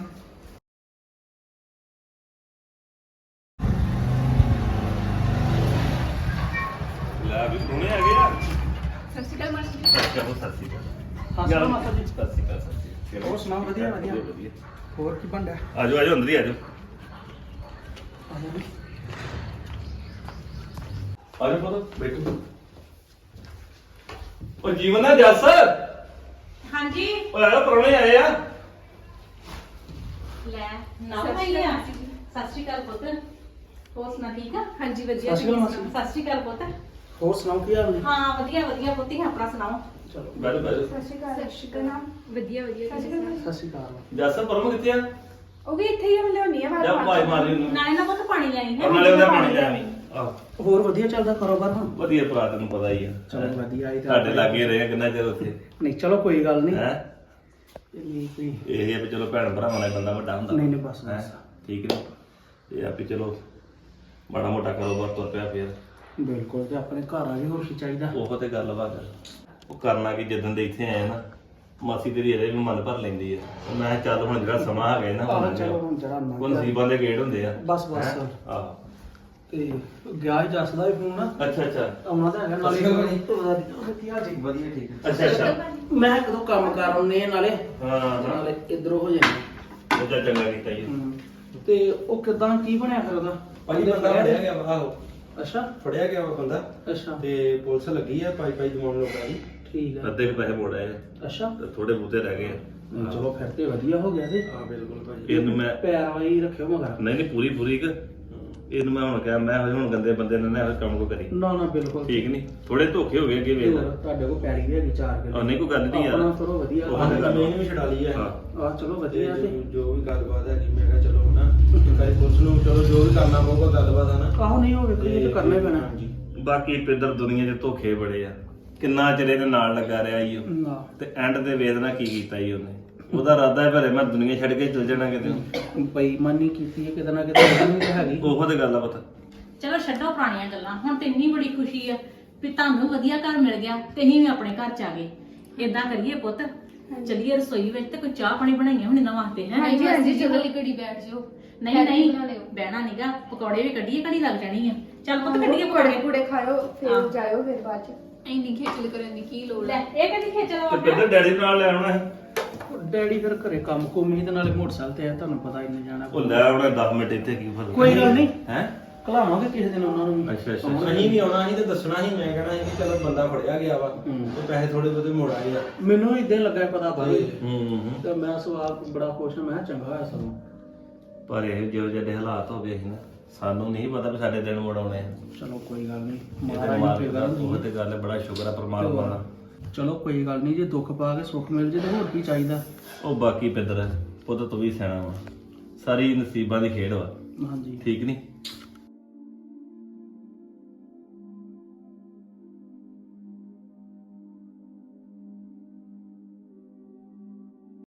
Speaker 2: ਲੈ ਵੀ ਸੋਹਣੇ ਆ ਗਏ ਆ।
Speaker 5: ਸਤਿ ਸ਼੍ਰੀ ਅਕਾਲ ਮਾਸੀ ਜੀ।
Speaker 2: ਚਲੋ ਸਤਿ ਸ਼੍ਰੀ ਅਕਾਲ।
Speaker 3: ਸਤਿ ਸ਼੍ਰੀ ਅਕਾਲ ਮਾਤਾ ਜੀ।
Speaker 2: ਸਤਿ ਸ਼੍ਰੀ ਅਕਾਲ ਸਤਿ ਸ਼੍ਰੀ ਅਕਾਲ।
Speaker 3: ਹੋਰ ਸੁਣਾਓ, ਵਧੀਆ, ਵਧੀਆ।
Speaker 2: ਵਧੀਆ।
Speaker 3: ਹੋਰ ਕੀ ਬਣਦਾ?
Speaker 2: ਆਜੋ ਆਜੋ ਅੰਦਰ ਹੀ ਆਜੋ। ਆਜੋ ਪੁੱਤ ਬੈਠੋ। ਉਹ ਜੀਵਨ ਆ ਜੱਸ।
Speaker 1: ਹਾਂਜੀ
Speaker 2: ਓਏ ਆ ਪਰੋਣੇ ਆਏ ਆ।
Speaker 1: ਲੈ ਨਾ
Speaker 5: ਸਤਿ ਸ਼੍ਰੀ
Speaker 1: ਭਾਈ ਆ।
Speaker 5: ਅਕਾਲ ਮਾਸੀ ਜੀ।
Speaker 1: ਸਤਿ ਸ਼੍ਰੀ ਅਕਾਲ ਪੁੱਤ। ਹੋਰ ਸੁਣਾ ਠੀਕ ਆ?
Speaker 5: ਹਾਂਜੀ ਵਧੀਆ।
Speaker 3: ਸਤਿ ਸ਼੍ਰੀ ਅਕਾਲ ਮਾਸੀ।
Speaker 1: ਸਤਿ ਸ਼੍ਰੀ ਅਕਾਲ ਪੁੱਤ।
Speaker 3: ਹੋਰ ਸੁਣਾਓ ਕੀ ਹਾਲ ਨੇ?
Speaker 1: ਹਾਂ ਵਧੀਆ ਵਧੀਆ ਪੁੱਤੀ ਆਪਣਾ ਸੁਣਾਓ।
Speaker 3: ਚਲੋ
Speaker 2: ਬੈਠੋ ਬੈਠੋ।
Speaker 4: ਸਤਿ ਸ਼੍ਰੀ ਅਕਾਲ।
Speaker 5: ਸਤਿ ਸ਼੍ਰੀ ਅਕਾਲ। ਵਧੀਆ ਵਧੀਆ।
Speaker 4: ਸਤਿ ਸ਼੍ਰੀ ਅਕਾਲ।
Speaker 3: ਸਤਿ ਸ਼੍ਰੀ ਅਕਾਲ।
Speaker 2: ਜੱਸ ਪਰਮ ਕਿੱਥੇ ਆ?
Speaker 4: ਉਹ ਵੀ ਇੱਥੇ ਹੀ ਆ, ਮੈਂ ਲਿਆਉਣੀ ਆ ਬਾਹਰ
Speaker 2: ਜਾ
Speaker 4: ਪਾ
Speaker 2: ਭਾਈ
Speaker 4: ਕੇ।
Speaker 2: ਮਾਰੀ ਉਹਨੂੰ।
Speaker 1: ਨਾਲੇ ਨਾ ਪੁੱਤ ਪਾਣੀ ਲੈਣੀ ਹੈ।
Speaker 2: ਔਰ ਨਾਲੇ ਉਹਦਾ ਪਾਣੀ ਲੈ ਆਵੀਂ। ਆਹ
Speaker 3: ਹੋਰ ਵਧੀਆ ਚੱਲਦਾ ਕਾਰੋਬਾਰ ਹੁਣ?
Speaker 2: ਵਧੀਆ ਭਰਾ ਤੈਨੂੰ ਪਤਾ ਹੀ ਆ।
Speaker 3: ਚਲੋ ਵਧੀਆ, ਇਹ ਤਾਂ
Speaker 2: ਤੁਹਾਡੇ ਲਾਗੇ ਰਹੇ ਕਿੰਨਾ ਚਿਰ ਉੱਥੇ
Speaker 3: ਨਹੀਂ ਚਲੋ ਕੋਈ ਗੱਲ ਨਹੀਂ।
Speaker 2: ਹੈ।
Speaker 3: ਇਹ ਕੋਈ
Speaker 2: ਇਹ ਆ ਵੀ ਚਲੋ ਭੈਣ ਭਰਾਵਾਂ ਨਾਲ ਬੰਦਾ ਵੱਡਾ ਹੁੰਦਾ।
Speaker 3: ਨਹੀਂ, ਨਹੀਂ, ਬਸ,
Speaker 2: ਹੈਂ?
Speaker 3: ਬਸ।
Speaker 2: ਠੀਕ ਨੇ। ਇਹ ਆ ਵੀ ਚਲੋ ਮਾੜਾ ਮੋਟਾ ਕਾਰੋਬਾਰ ਤੁਰ ਪਿਆ ਫੇਰ।
Speaker 3: ਬਿਲਕੁਲ, ਤੇ ਆਪਣੇ ਘਰ ਆ ਗਏ, ਹੋਰ ਕੀ ਚਾਹੀਦਾ?
Speaker 2: ਉਹ ਤੇ ਗੱਲ ਵਾ ਗੱਲ। ਉਹ ਕਰਨਾ ਕਿ ਜਦੋਂ ਦੇ ਇੱਥੇ ਆਏ ਨਾ ਮਾਸੀ ਤੇਰੀ ਇਹਦੇ ਵੀ ਮਨ ਭਰ ਲੈਂਦੀ ਆ। ਮੈਂ ਕਿਹਾ ਚੱਲ ਹੁਣ ਜਿਹੜਾ ਸਮਾਂ ਆ ਗਿਆ ਨਾ
Speaker 3: ਆਹੋ, ਚਲੋ ਹੁਣ ਜਿਹੜਾ ਲੰਘ
Speaker 2: ਉਹ
Speaker 3: ਗਿਆ।
Speaker 2: ਨਸੀਬਾਂ ਦੇ ਗੇੜ ਹੁੰਦੇ ਆ।
Speaker 3: ਬਸ, ਬਸ।
Speaker 2: ਹੈਂ? ਆਹੋ।
Speaker 3: ਤੇ ਗਿਆ ਹੀ ਜੱਸਦਾ ਵੀ ਫੋਨ ਆ।
Speaker 2: ਅੱਛਾ ਅੱਛਾ
Speaker 3: ਆਉਣਾ ਤਾਂ ਹੈਗਾ ਨਾਲੇ।
Speaker 2: ਸਤਿ ਸ਼੍ਰੀ ਅਕਾਲ
Speaker 3: ਵਧੀਆ ਜੀ, ਵਧੀਆ ਠੀਕ।
Speaker 2: ਅੱਛਾ ਅੱਛਾ
Speaker 3: ਮੈਂ ਕਦੋਂ ਕੰਮ ਕਰ ਆਉਨੇ ਨਾਲੇ
Speaker 2: ਹਾਂ ਹਾਂ
Speaker 3: ਨਾਲੇ ਇੱਧਰੋਂ ਹੋ ਜਾਂਦੇ।
Speaker 2: ਉਹ ਤਾਂ ਚੰਗਾ ਕੀਤਾ ਜੀ।
Speaker 3: ਤੇ ਉਹ ਕਿਦਾਂ ਕੀ ਬਣਿਆ ਫਿਰ ਉਹਦਾ?
Speaker 6: ਭਾਈ ਬੰਦਾ ਫੜਿਆ ਗਿਆ ਵਾ। ਆਹੋ
Speaker 3: ਅੱਛਾ
Speaker 6: ਫੜਿਆ ਗਿਆ ਵਾ ਬੰਦਾ
Speaker 3: ਅੱਛਾ
Speaker 6: ਤੇ ਪੁਲਿਸ ਲੱਗੀ ਆ ਪਾਈ ਦਿਵਾਉਣ ਲੋਕਾਂ ਦੀ।
Speaker 3: ਠੀਕ ਆ।
Speaker 2: ਅੱਧੇ ਕੁ ਪੈਸੇ ਮੋੜ ਆਏ
Speaker 3: ਅੱਛਾ
Speaker 2: ਤੇ ਥੋੜੇ ਬੂਤੇ ਰਹਿ ਗਏ ਆ।
Speaker 3: ਨਹੀਂ, ਚਲੋ ਫਿਰ ਤੇ ਵਧੀਆ ਹੋ ਗਿਆ ਤੇ
Speaker 6: ਹਾਂ ਬਿਲਕੁਲ ਭਾਜੀ।
Speaker 2: ਇਹਨੂੰ ਮੈਂ
Speaker 3: ਪੈਰ ਵਾਈ ਰੱਖਿਓ ਮਗਰ।
Speaker 2: ਨਹੀਂ ਨਹੀਂ ਪੂਰੀ ਪੂਰੀ ਕਿ ਇਹਨੂੰ ਮੈਂ ਹੁਣ ਕਿਹਾ ਮੈਂ ਹੁਣ ਗੰਦੇ ਬੰਦੇ ਨੇ ਨਾ ਇਹੋ ਕੰਮ ਕੋ ਕਰੀ।
Speaker 3: ਨਾ ਨਾ ਬਿਲਕੁਲ
Speaker 2: ਠੀਕ ਨਹੀਂ ਥੋੜੇ ਧੋਖੇ ਹੋ ਗਏ ਅੱਗੇ ਵੇਖ ਲੈ।
Speaker 3: ਤੁਹਾਡੇ ਕੋਲ ਪੈੜੀ ਵੀ ਹੈਗੀ 4 ਕਿਲੋ।
Speaker 2: ਨਹੀਂ ਕੋਈ ਗੱਲ ਨਹੀਂ ਯਾਰ।
Speaker 3: ਆਪਣਾ ਚਲੋ ਵਧੀਆ।
Speaker 2: ਉਹ
Speaker 6: ਹਾਂ
Speaker 2: ਤਾਂ ਗੱਲ
Speaker 6: ਜ਼ਮੀਨ ਵੀ ਛਡਾ ਲਈ ਆ।
Speaker 2: ਹਾਂ।
Speaker 3: ਆ ਚਲੋ
Speaker 6: ਤੇ
Speaker 3: ਵਧੀਆ ਤੇ
Speaker 6: ਜੋ ਵੀ ਗੱਲਬਾਤ ਹੈਗੀ ਮੈਂ ਕਿਹਾ ਚਲੋ ਨਾ ਕਈ ਪੁਲਿਸ ਨੂੰ ਚਲੋ ਜੋ ਵੀ ਕਰਨਾ ਪਊਗਾ ਗੱਲਬਾਤ ਆ ਨਾ।
Speaker 3: ਆਹੋ ਨਹੀਂ ਹੋਵੇ ਕੋਈ ਤਾਂ ਕਰਨਾ ਹੀ ਪੈਣਾ।
Speaker 6: ਹਾਂਜੀ।
Speaker 2: ਬਾਕੀ ਪਿੱਧਰ ਦੁਨੀਆ 'ਚ ਧੋਖੇ ਬੜੇ ਆ। ਕਿੰਨਾ ਚਿਰ ਇਹਦੇ ਨਾਲ ਲੱਗਾ ਰਿਹਾ ਈ ਉਹ।
Speaker 3: ਨਾ
Speaker 2: ਤੇ ਐਂਡ ਤੇ ਵੇਦਨਾ ਕੀ ਕੀਤਾ ਈ ਉਹਨੇ। ਉਹਦਾ ਇਰਾਦਾ ਹੈ ਭਰੇ ਮੈਂ ਦੁਨੀਆ ਛੱਡ ਕੇ ਚਲ ਜਾਣਾ ਕਿਤੇ।
Speaker 3: ਬੇਈਮਾਨੀ ਕੀਤੀ ਹੈ ਕਿਤੇ ਨਾ ਕਿਤੇ ਉਹਦੀ ਵੀ ਤਾਂ ਹੈਗੀ।
Speaker 2: ਉਹੋ ਤੇ ਗੱਲ ਆ ਪਤਾ।
Speaker 1: ਚਲੋ ਛੱਡੋ ਪੁਰਾਣੀਆਂ ਗੱਲਾਂ। ਹੁਣ ਤੇ ਇੰਨੀ ਬੜੀ ਖੁਸ਼ੀ ਆ ਵੀ ਤੁਹਾਨੂੰ ਵਧੀਆ ਘਰ ਮਿਲ ਗਿਆ ਤੇ ਅਸੀਂ ਵੀ ਆਪਣੇ ਘਰ ਚ ਆ ਗਏ। ਏਦਾਂ ਕਰੀਏ ਪੁੱਤ ਚੱਲੀਏ ਰਸੋਈ ਵਿੱਚ ਤੇ ਕੋਈ ਚਾਹ ਪਾਣੀ ਬਣਾਈਏ ਹੁਣ ਇਹਨਾਂ ਵਾਸਤੇ ਹੈ।
Speaker 5: ਹਾਂਜੀ ਹਾਂਜੀ ਚਲੋ ਲਈ ਘੜੀ ਬੈਠ ਜਾਓ।
Speaker 1: ਨਹੀਂ ਨਹੀਂ
Speaker 5: ਬਣਾ ਲਿਓ।
Speaker 1: ਬਹਿਣਾ ਨੀਗਾ। ਪਕੌੜੇ ਵੀ ਕੱਢੀਏ ਘੜੀ ਲੱਗ ਜਾਣੀ ਆ। ਚੱਲ ਪੁੱਤ ਕੱਢੀਏ
Speaker 4: ਪਕੌੜੇ
Speaker 1: ਪਕੌੜੇ।
Speaker 4: ਪੂੜੇ ਖਾਓ
Speaker 1: ਹਾਂ।
Speaker 4: ਫਿਰ ਜਾਇਓ ਫਿਰ ਬਾਅਦ ਚ।
Speaker 5: ਇੰਨੀ ਖੇਚਲ ਕਰਨ ਦੀ ਕੀ ਲੋੜ
Speaker 1: ਲੈ
Speaker 5: ਹੈ?
Speaker 1: ਇਹ ਕਦੀ ਖੇਚਲ
Speaker 2: ਤੇ
Speaker 1: ਵਾ
Speaker 2: ਪਿੱਧਰ ਡੈਡੀ ਨਾਲ ਲੈ ਆਉਣਾ ਹੈ।
Speaker 7: ਡੈਡੀ ਫਿਰ ਘਰੇ ਕੰਮ ਕੁੰਮ ਹੀ ਤੇ ਨਾਲੇ ਮੋਟਰਸਾਈਕਲ ਤੇ ਆ, ਤੁਹਾਨੂੰ ਪਤਾ ਇੰਨੇ ਜਾਣਾ।
Speaker 2: ਉਹ ਲੈ ਉਹਨੇ 10 ਮਿੰਟ ਇੱਥੇ ਕੀ ਫਰਕ
Speaker 7: ਕੋਈ ਗੱਲ ਨਹੀਂ,
Speaker 2: ਹੈ।
Speaker 7: ਘਲਾਵਾਂਗੇ ਕਿਸੇ ਦਿਨ ਉਹਨਾਂ ਨੂੰ ਵੀ।
Speaker 2: ਅੱਛਾ ਅੱਛਾ
Speaker 3: ਅਸੀਂ ਵੀ ਆਉਣਾ ਸੀ ਤੇ ਦੱਸਣਾ ਸੀ, ਮੈਂ ਕਹਿਣਾ ਸੀ ਕਿ ਚਲੋ ਬੰਦਾ ਫੜਿਆ ਗਿਆ ਵਾ
Speaker 7: ਹੂੰ।
Speaker 3: ਤੇ ਪੈਸੇ ਥੋੜੇ ਬਹੁਤੇ ਮੋੜ ਆਏ ਆ।
Speaker 7: ਮੈਨੂੰ ਇਦਾਂ ਲੱਗਾ ਪਤਾ ਬਾਰੇ
Speaker 2: ਹੂੰ
Speaker 7: ਤੇ ਮੈਂ ਸਵਾਲ ਬੜਾ ਖੁਸ਼ ਹਾਂ, ਮੈਂ ਕਿਹਾ ਚੰਗਾ ਹੋਇਆ ਸਗੋਂ।
Speaker 2: ਪਰ ਇਹ ਜਿਹੋ ਜਿਹੇ ਹਾਲਾਤ ਹੋ ਗਏ ਸੀ ਨਾ, ਸਾਨੂੰ ਨਹੀਂ ਪਤਾ ਵੀ ਸਾਡੇ ਦਿਨ ਮੁੜ ਆਉਣੇ ਆ।
Speaker 7: ਚਲੋ ਕੋਈ ਗੱਲ ਨਹੀਂ,
Speaker 2: ਇਹ ਤੇ
Speaker 7: ਮਹਾਰਾਜ ਨੂੰ
Speaker 2: ਮਾਲਕ
Speaker 7: ਫਿਕਰ
Speaker 2: ਦਾ
Speaker 7: ਨਹੀਂ।
Speaker 2: ਉਹ ਤੇ ਗੱਲ ਹੈ, ਬੜਾ ਸ਼ੁਕਰ ਆ ਪਰਮਾਤਮਾ ਦਾ।
Speaker 7: ਚਲੋ ਕੋਈ ਗੱਲ ਨਹੀਂ, ਜੇ ਦੁੱਖ ਪਾ ਕੇ ਸੁੱਖ ਮਿਲ ਜੇ ਤੇ ਹੋਰ ਕੀ ਚਾਹੀਦਾ।
Speaker 2: ਉਹ ਬਾਕੀ ਪਿੰਦਰ ਪੁੱਤ ਤੂੰ ਵੀ ਸਿਆਣਾ ਵਾ, ਸਾਰੀ ਨਸੀਬਾਂ ਦੀ ਖੇਡ ਵਾ,
Speaker 7: ਹਾਂਜੀ
Speaker 2: ਠੀਕ ਨਹੀਂ।